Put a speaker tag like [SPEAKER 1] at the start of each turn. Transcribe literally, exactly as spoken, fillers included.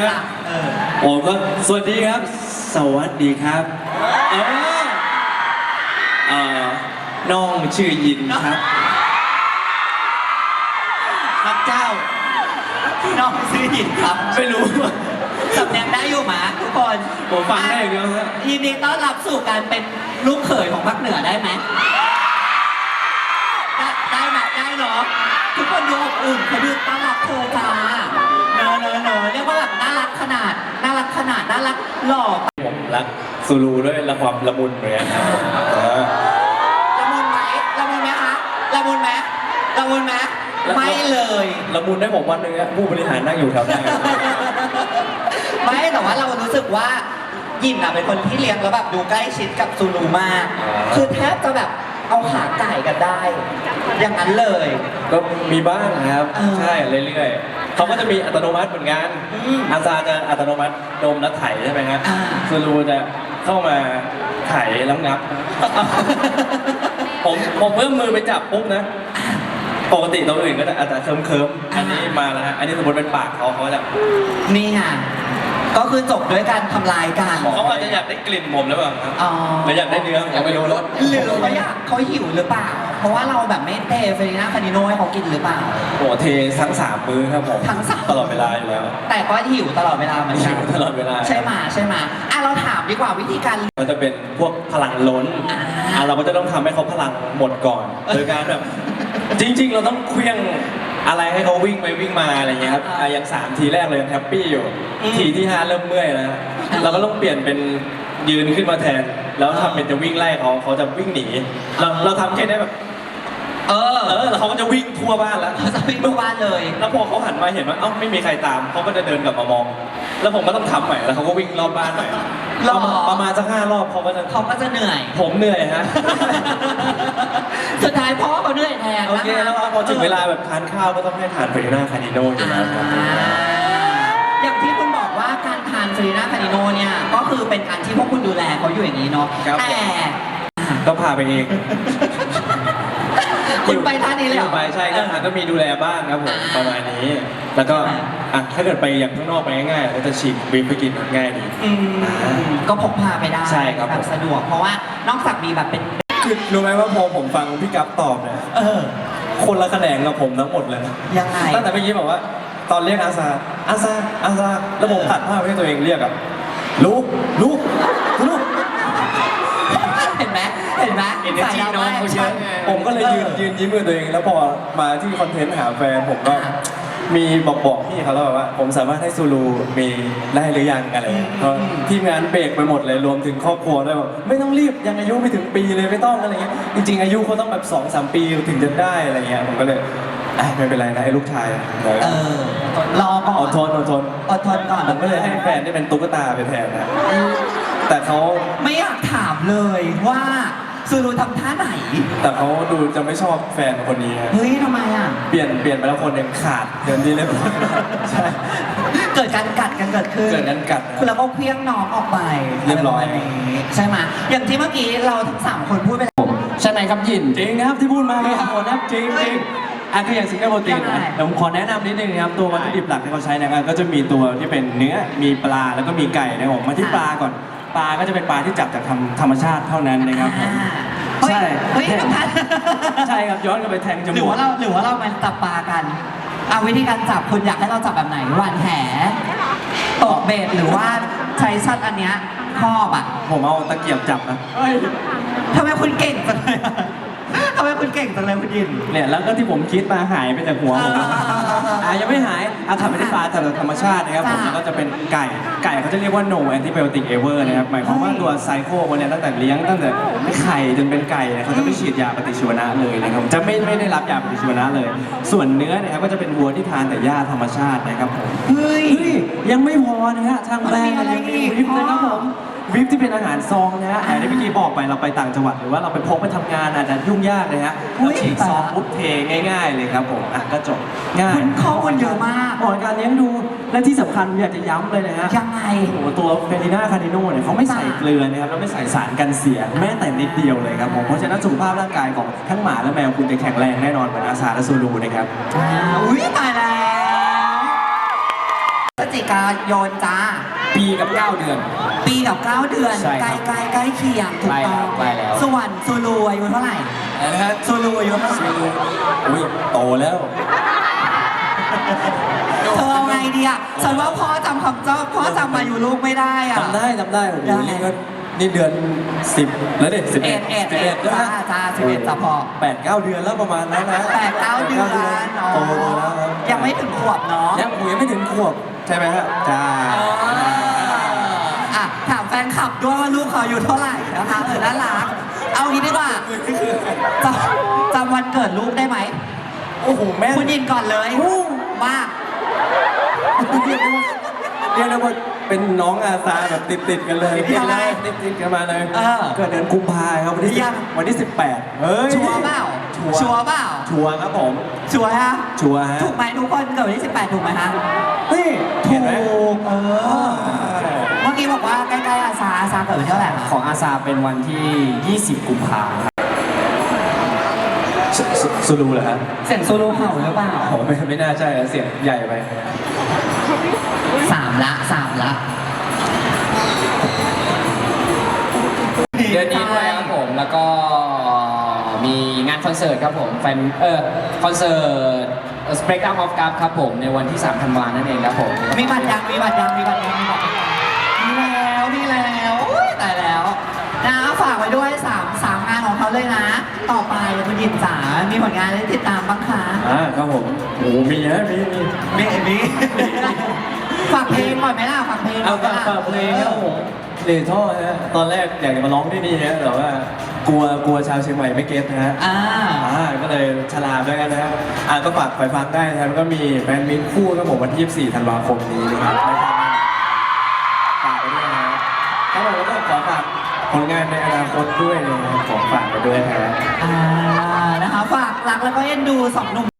[SPEAKER 1] ไหมโอ้ก็สวัสดีครับสวัสดีครับเออเอ่อน้องชื่อยินครับ
[SPEAKER 2] ครับเจ้าพี่น้องชื่อยินครับ
[SPEAKER 1] ไม่รู้
[SPEAKER 2] สำเนียงได้อยู่หมาทุกคน
[SPEAKER 1] ผมฟังได้อย่างเดียวฮะ
[SPEAKER 2] ยินดีต้อนรับสู่การเป็นลูกเขยของภาคเหนือได้ไหมได้ได้ไหมได้เนาะทุกคนดูอบอุ่นเขาดูต้อนรับเธอจ้าเนอะเนอะเนอะเรียกว่าแบบน่ารักขนาดน่ารักขนาดน่ารักหล่อ
[SPEAKER 1] ผมรักซูรูด้วยละความละมุนเหมือนกันครับ
[SPEAKER 2] ละมุนไหมละมุนไหมคะละมุนไหมละมุนไหมไม่เลย
[SPEAKER 1] ละมุนได้ผมวันนึงผู้บริหารนั่งอยู่แถวหน้า
[SPEAKER 2] ไม่แต่ว่าเรารู้สึกว่ายินอะเป็นคนที่เลี้ยงแล้วแบบดูใกล้ชิดกับซูรูมากคือแทบจะแบบเอาขาไก่กันได้อย่างนั้นเลย
[SPEAKER 1] ก็มีบ้างครับใช่เรื่อยๆเขาก็จะมีอัตโนมัติเหมือนกันอาซาจะอัตโนมัติดมแล้วไถใช่ไหมครับซูรูจะเข้ามาไถแล้วงับผมผมเพิ่มมือไปจับปุ๊บนะปกติตัวอื่นก็จะอาจจะเคิมเคิมอันนี้มาแล้วฮะอันนี้สมมติเป็นปากเขาเขาจะ
[SPEAKER 2] นี่ไงก็คือจบด้วยการทำลายกัน
[SPEAKER 1] เขาอาจจะอยากได้กลิ่นผมหรือเปล่าครับหรืออยากได้เนื้อยังไม่รู้รส
[SPEAKER 2] หรือเขาอยากเขาหิวหรือเปล่าเพราะว่าเราแบบไม่เทเฟรน่าคานิโน่ให้เขากินหรือเปล่า
[SPEAKER 1] โอ้เททั้งสามมื้อครับผม
[SPEAKER 2] ทั้งสาม
[SPEAKER 1] ตลอดเวลาอยู่แล้ว
[SPEAKER 2] แต่ก็หิวตลอดเวลาเหมือนกัน
[SPEAKER 1] หิวตลอดเวลา
[SPEAKER 2] ใช่ไหมใช่ไหมอ่ะเราถามดีกว่าวิธีการ
[SPEAKER 1] มันจะเป็นพวกพลังล้นอ่ะเราก็จะต้องทำให้เขาพลังหมดก่อนโดยการแบบจริงๆเราต้องเคลื่องอะไรให้เขาวิ่งไปวิ่งมาอะไรเงี้ยครับอย่างสามทีแรกเลยแฮปปี้อยู่ทีที่ห้าเริ่มเมื่อยแล้วเราก็ต้องเปลี่ยนเป็นยืนขึ้นมาแทนแล้วทำเป็นจะวิ่งไล่เขาเขาจะวิ่งหนีเราเราทำแค่นี้แบบเออเออแล้วเขาก็จะวิ่งทั่วบ้านแล้ว
[SPEAKER 2] เขาจะวิ่งทั่วบ้านเลย
[SPEAKER 1] แล้วพอเขาหันมาเห็นว่าเอ้าไม่มีใครตามเขาก็จะเดินกลับมามองแล้วผมก็ต้องทำใหม่แล้วเขาก็วิ่งรอบบ้านใหม่ประมาณสักห้ารอบเขาก็จะ
[SPEAKER 2] เขาก็จะเหนื่อย
[SPEAKER 1] ผมเหนื่อยฮะ
[SPEAKER 2] สุดท้ายพ่อเขาเหนื่อยแทน
[SPEAKER 1] โอเคแล้วพอถึงเวลาแบบทานข้าวก็ต้องให้ทานเฟรน่าคานิโน่อยู่แล้วครับ
[SPEAKER 2] อย่างที่คุณบอกว่าการทานเฟรน่าคานิโน่เนี่ยก็คือเป็นการที่พวกคุณดูแลเขาอยู่อย่างนี้เนาะแต่
[SPEAKER 1] ก็พาไปเอง
[SPEAKER 2] คุณไปท่านี้เลยเหรอ
[SPEAKER 1] ไปใช่ครับก็มีดูแลบ้างครับผมประมาณนี้แล้วก็อ่ะถ้าเกิดไปอย่างข้างนอกไปง่ายๆก็จะฉีกวิปไปกินง่ายดี
[SPEAKER 2] ก็พกพาไปได้
[SPEAKER 1] ใช่ครับ
[SPEAKER 2] แบบสะดวกเพราะว่านอกจากมีแบบเป็น
[SPEAKER 1] คือรู้ไหมว่าพอผมฟังพี่กั๊บตอบเนี่ยคนละแขนงกับผมทั้งหมดเลย
[SPEAKER 2] ยังไง
[SPEAKER 1] ตั้งแต่เมื่อกี้บอกว่าตอนเรียกอาซาอาซาอาซาแล้วผมตัดภาพให้ตัวเองเรียกอะลูกลูกลูก
[SPEAKER 2] เห็นไหมเห็นไหม
[SPEAKER 1] ใส่น้องเขาเยอะผมก็เลยยืนยืนยิ้มกับตัวเองแล้วพอมาที่คอนเทนต์หาแฟนผมก็มีบอกบอกพี่เขาแล้วว่าผมสามารถให้ซูรูมีได้หรือยังอะไรเพราะทีมงานเบรกไปหมดเลยรวมถึงครอบครัวด้วยบอกไม่ต้องรีบยังอายุไม่ถึงปีเลยไม่ต้องอะไรเงี้ยจริงๆอายุเขาต้องแบบสองสามปีถึงจะได้อะไรเงี้ยผมก็เลยไม่เป็นไรนะไอ้ลูกชาย
[SPEAKER 2] เออรอก่อน
[SPEAKER 1] อดทนอดทน
[SPEAKER 2] อดทนก่อน
[SPEAKER 1] ผมก็เลยให้แฟนได้เป็นตุ๊กตาไปแทนนะแต่เขา
[SPEAKER 2] ไม่อยากถามเลยว่าซูรูทำท่าไหน
[SPEAKER 1] แต่เขาดูจะไม่ชอบแฟนคนนี้
[SPEAKER 2] เฮ้ยทำไมอ่ะ
[SPEAKER 1] เปลี่ยนเปลี่ยนไปแล้วคนหนึ่งขาดเดินดีเลยใช่
[SPEAKER 2] เกิดการกัดกันเกิดขึ้น
[SPEAKER 1] เกิดการกัด
[SPEAKER 2] คุณแล้วก็เพี้ยงน้องออกไป
[SPEAKER 1] เรียบร้อย
[SPEAKER 2] ใช่ไหมอย่างที่เมื่อกี้เราทั้งสามคนพูดไป
[SPEAKER 1] ใช่ไหมครับยินจริงนะครับที่พูดมาเลยครับนะจริงจริงอันคืออย่างซิงเกิลโปรตีนนะเดี๋ยวผมขอแนะนำนิดนึงนะครับตัววัตถุดิบหลักที่เขาใช้นะครับก็จะมีตัวที่เป็นเนื้อมีปลาแล้วก็มีไก่นะครับผมมาที่ปลาก่อนปลาก็จะเป็นปลาที่จับจากธรรมชาติเท่านั้นนะครับ
[SPEAKER 2] ใช่เฮ้ยทุกท่าน
[SPEAKER 1] ใช่ครับย้อนกลับไปแทงจมูก
[SPEAKER 2] หรือว่าเราหรือว่าเรามาจับปลากันเอาวิธีการจับคุณอยากให้เราจับแบบไหนหวานแหตกเบ็ดหรือว่าใช้ชัดอันเนี้ยครอบอ่ะ
[SPEAKER 1] ผมเอาตะเกียบจับนะ
[SPEAKER 2] ทำไมคุณเก่งจังเลยทำไมคุณเก่งจังเลยคุณยิน
[SPEAKER 1] เนี่ยแล้วก็ที่ผมคิดมาหายไปจากหัวผมอ่ะยังไม่หายอ่ะทำไม่ได้ปลาแต่ธรรมชาตินะครับผมแล้วก็จะเป็นไก่ไก่เขาจะเรียกว่า no antibiotic ever นะครับหมายความว่าตัวไซโคคนเนี่ยตั้งแต่เลี้ยงตั้งแต่ไข่จนเป็นไก่เนี่ยเขาจะไม่ฉีดยาปฏิชีวนะเลยนะครับจะไม่ไม่ได้รับยาปฏิชีวนะเลยส่วนเนื้อเนี่ยครับก็จะเป็นวัวที่ทานแต่หญ้าธรรมชาตินะครับผม
[SPEAKER 2] เฮ้ย
[SPEAKER 1] ยังไม่พอนะฮะทางแบรนด์ยังมีวิปนะครับผมวิปที่เป็นอาหารซองนะฮะอย่างที่เมื่อกี้บอกไปเราไปต่างจังหวัดหรือว่าเราไปพกไปทำงานอาจจะยุ่งยากเลยฮะเราฉีกซองปุ๊บเทง่ายๆเลยครับผมอ่ะก็จบง่าย
[SPEAKER 2] ข้อมูลเยอะมาก
[SPEAKER 1] เหมาะการเลี้ยงดูและที่สำคัญอยากจะย้ำเลยนะฮะ
[SPEAKER 2] ยังไง
[SPEAKER 1] โอ้โหตัวเฟรน่าคานิโน่เนี่ยเขาไม่ใส่เกลือนะครับแล้วไม่ใส่สารกันเสียแม้แต่นิดเดียวเลยครับผมเพราะฉะนั้นสุขภาพร่างกายของทั้งหมาและแมวคุณจะแข็งแรงแน่นอนเหมือนอาซาและซูรูนะครับ
[SPEAKER 2] อุ้ยตายแล้วจจิกายนจ้า
[SPEAKER 3] ปีกับเก้าเดือน
[SPEAKER 2] ปีกับเก้าเดือน
[SPEAKER 3] ใช่
[SPEAKER 2] ใก
[SPEAKER 3] ครั
[SPEAKER 2] ล้
[SPEAKER 3] บ
[SPEAKER 2] ใกล้ใกล้เคียงถูกต้อง
[SPEAKER 3] ใกล้แล้ว
[SPEAKER 2] ส่วนซูลูอายุเท่าไหร่
[SPEAKER 1] อะไรนะฮะ
[SPEAKER 2] ซูลูอายุเท่าไหร่
[SPEAKER 1] อุ้ยโตแล้ว
[SPEAKER 2] เธอเอาไงดีอ่ะฉันว่าพ่อจำคำเจ้าพ่อจำอายุลูกไม่ได้อ่ะ
[SPEAKER 1] จำได้จำได้โอ้โห
[SPEAKER 2] ได้
[SPEAKER 1] นี่ก็นี่เดือนสิบแล้วเด็กสิบ
[SPEAKER 2] เอ็
[SPEAKER 1] เอ็
[SPEAKER 2] ด
[SPEAKER 1] ด
[SPEAKER 2] เอ็ด
[SPEAKER 1] สิบ
[SPEAKER 2] เอ็
[SPEAKER 1] เอ็
[SPEAKER 2] ด
[SPEAKER 1] ด
[SPEAKER 2] จ้าจ้าสิบเอ็ดจ้าพ่อ
[SPEAKER 1] แปดเก้าเดือนแล้วประมาณนั้นนะ
[SPEAKER 2] แปดเก้าเดือนอ๋อ
[SPEAKER 1] โตแล้วครับ
[SPEAKER 2] ยังไม่ถึงขวบเนาะ
[SPEAKER 1] ยังผมยังไม่ถึงขวบใช่ไหมฮะจ้า
[SPEAKER 2] อ่ะถามแฟนคลับด้วยว่าลูกเขาอายู่เท่าไหร่นะคะเออน่ารักเอางี้ดีกว่าจำจำวันเกิดลูกได้ไหม
[SPEAKER 1] โอ้โหแม่
[SPEAKER 2] คุณยินก่อนเลยว่า
[SPEAKER 1] เรียกได้ว่าเรียกได้ว่าเป็นน้องอาซาแบบติดติดๆกันเลย
[SPEAKER 2] ติดอะไร
[SPEAKER 1] ติดติดๆกันมาเลย
[SPEAKER 2] เออ
[SPEAKER 1] เกิดเดือนกุมภาครับวันที่สิบ
[SPEAKER 2] ยัง
[SPEAKER 1] วันที่สิบแปดเฮ้ย
[SPEAKER 2] ชัวร์เปล่า
[SPEAKER 1] ชัวร์
[SPEAKER 2] ชัวร์เปล่า
[SPEAKER 1] ชัวร์ครับผม
[SPEAKER 2] ชัวร์ฮะ
[SPEAKER 1] ชัวร์ฮะ
[SPEAKER 2] ถูกไหมทุกคนเกิดวันที่สิบแปดถูกไหมฮะ
[SPEAKER 1] เฮ้ย
[SPEAKER 2] ถู
[SPEAKER 1] เห็นไหม
[SPEAKER 2] กเออเมื่อกี้บอกว่าใกล้ๆอาซาอาซาเกิดวันที่เท่าไหร่
[SPEAKER 3] ของอาซาเป็นวันที่ ยี่สิบ กุมภาพันธ์ครับ
[SPEAKER 1] สสซูรูเหรอฮะ
[SPEAKER 2] เสียงโซโล่เห่าหรือเปล่า
[SPEAKER 1] โอ้ไม่ไม่น่าใช่นะเสียงใหญ่ไป
[SPEAKER 2] สามละสามละ
[SPEAKER 3] เดือนนี้ด้วยครับผมแล้วก็มีงานคอนเสิร์ตครับผมแฟนเออคอนเสิร์ต Spectrum of God ครับผมในวันที่สามธันวาคมนั่นเองครับผม
[SPEAKER 2] มีบัตรยังมีบัตรยังมีบัตรยังมีบัตรยังมีแล้วมีแล้วอุ๊ยตายแล้วนะฝากไว้ด้วยสามสามงานของเขาเลยนะ ต่อไปคุณยินจ๋ามีผลงานอะไรติดตามบ้างคะ
[SPEAKER 1] อ่าครับผมโอ้มีนะมีมี
[SPEAKER 2] มีมีฝากเพลงก่อนไหมล่ะฝากเพลง
[SPEAKER 1] เอา
[SPEAKER 2] ก่
[SPEAKER 1] ฝาน ก
[SPEAKER 2] ไหม
[SPEAKER 1] ฝากเพลงครับผมเลท่อฮะตอนแรกอยากจะมาร้องที่นี่ฮะแต่ว่ากลัวกลัวชาวเชียงใหม่ไม่เก็ตนะฮะ
[SPEAKER 2] อ่า
[SPEAKER 1] อ่าก็เลยฉลาดด้วยกันนะครับอ่าก็ฝากไปฟังได้นะครับก็มีแฟนมิตรคู่ครับผมวันที่ยี่สิบสี่ธันวาคมนี้นะครับไม่พลาดแน่นอนฝากไปด้วยนะครับครับผมแล้วก็ขอฝากผลงานในอนาคตด้วยนะครับขอฝากไปด้วยนะครับ
[SPEAKER 2] อ่านะคะฝากรักแล้วก็เอ็นดูสองหนุ่ม